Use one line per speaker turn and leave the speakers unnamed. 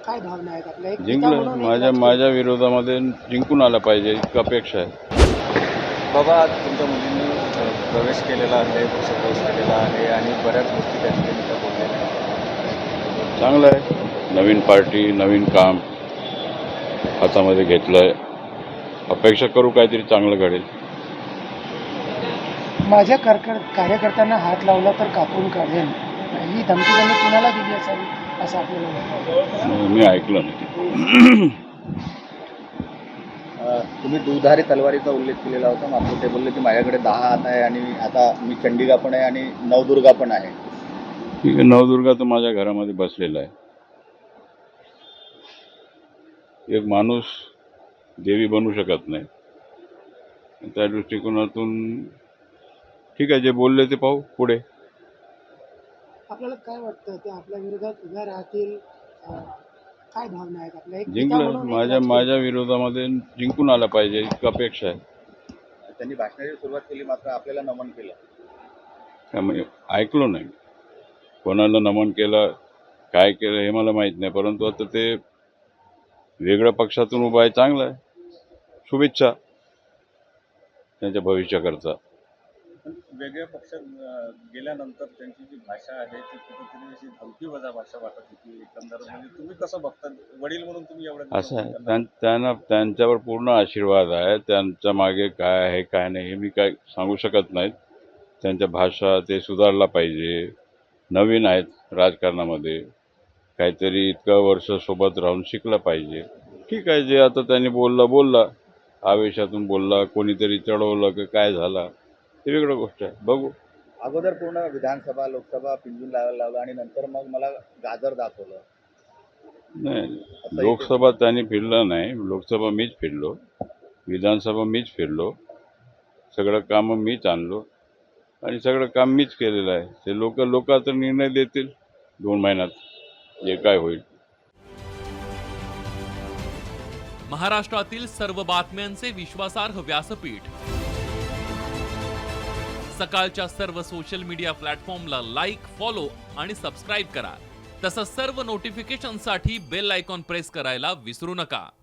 काय भावना आहेत आपल्या एक नेता
जिंकलं
म्हणून एक
माझ्या
राजकीय-
माझ्या विरोधामध्ये जिंकून आला पाहिजे इतकी अपेक्षा आहे.
बाबा आज तुमच्या मुलींनी प्रवेश केलेला आहे, पक्षप्रवेश केलेला आहे आणि बऱ्याच गोष्टी त्या ठिकाणी त्या बोललेल्या आहेत.
चांगलं आहे. नवीन पार्टी नवीन काम हातामध्ये घेतलं आहे. अपेक्षा करू काहीतरी चांगलं घडेल.
माझ्या कार्यकर्त्यांना हात लावला तर कापून काढेल ही धमकी त्यांनी कुणाला दिली असावी असं आपल्याला वाटतं.
मी ऐकलं नाही.
तुम्ही दुधारी तलवारीचा उल्लेख केलेला होता. मात्र ते बोलले की माझ्याकडे 10 हात आहे आणि आता मी चंडिका पण आहे आणि नवदुर्गा पण आहे.
ठीक आहे, नवदुर्गा तर माझ्या घरामध्ये बसलेला आहे. एक माणूस देवी बनू शकत नाही. त्या दृष्टिकोनातून ठीक आहे, जे बोलले ते पाहू पुढे.
आपल्याला काय वाटतं ते आपल्या विरोधात उभ्या राहतील काय भावना आहेत आपल्या एक नेता
जिंकलं
म्हणून एक
माझ्या
राजकीय-
माझ्या विरोधामध्ये जिंकून आला पाहिजे इतकी अपेक्षा आहे.
त्यांनी भाषणाची सुरुवात केली मात्र आपल्याला नमन केलं.
त्यामुळे ऐकलो नाही. कोणाला नमन केलं काय केलं हे मला माहीत नाही, परंतु आता ते वेगळ्या पक्षातून उभा आहे, चांगलं आहे. शुभेच्छा त्यांच्या भविष्याकरता.
पण वेगळ्या पक्षात गेल्यानंतर त्यांची जी भाषा आहे ती कुठेतरी अशी धमकीवजा भाषा वाटत होती. एकंदर म्हणजे तुम्ही कसं बघता वडील म्हणून तुम्ही एवढं
असं आहे, त्यांना त्यांच्यावर पूर्ण आशीर्वाद आहे. त्यांच्या मागे काय आहे काय नाही हे मी काय सांगू शकत नाहीत. त्यांच्या भाषा ते सुधारला पाहिजे. नवीन आहेत राजकारणामध्ये, काहीतरी इतकं वर्ष सोबत राहून शिकलं पाहिजे. ठीक आहे, जे आता त्यांनी बोलला आवेशातून बोलला, कोणीतरी चढवलं की काय झाला ते वेगळं गोष्ट आहे. बघू.
अगोदर पूर्ण विधानसभा लोकसभा पिंजून लावायला लावलं आणि नंतर मग मला गाजर दाखवलं.
नाही, लोकसभा त्यांनी फिरलं नाही. लोकसभा मीच फिरलो, विधानसभा मीच फिरलो, सगळं कामं मीच आणलो आणि सगळं काम मीच केलेलं आहे. ते लोक आता निर्णय देतील 2 महिन्यात जे काय होईल.
महाराष्ट्रातील सर्व बातम्यांचे विश्वासार्ह व्यासपीठ सकाळच्या सर्व सोशल मीडिया प्लॅटफॉर्मला लाईक, फॉलो आणि सबस्क्राईब करा. तसंच सर्व नोटिफिकेशनसाठी बेल आयकॉन प्रेस करायला विसरू नका.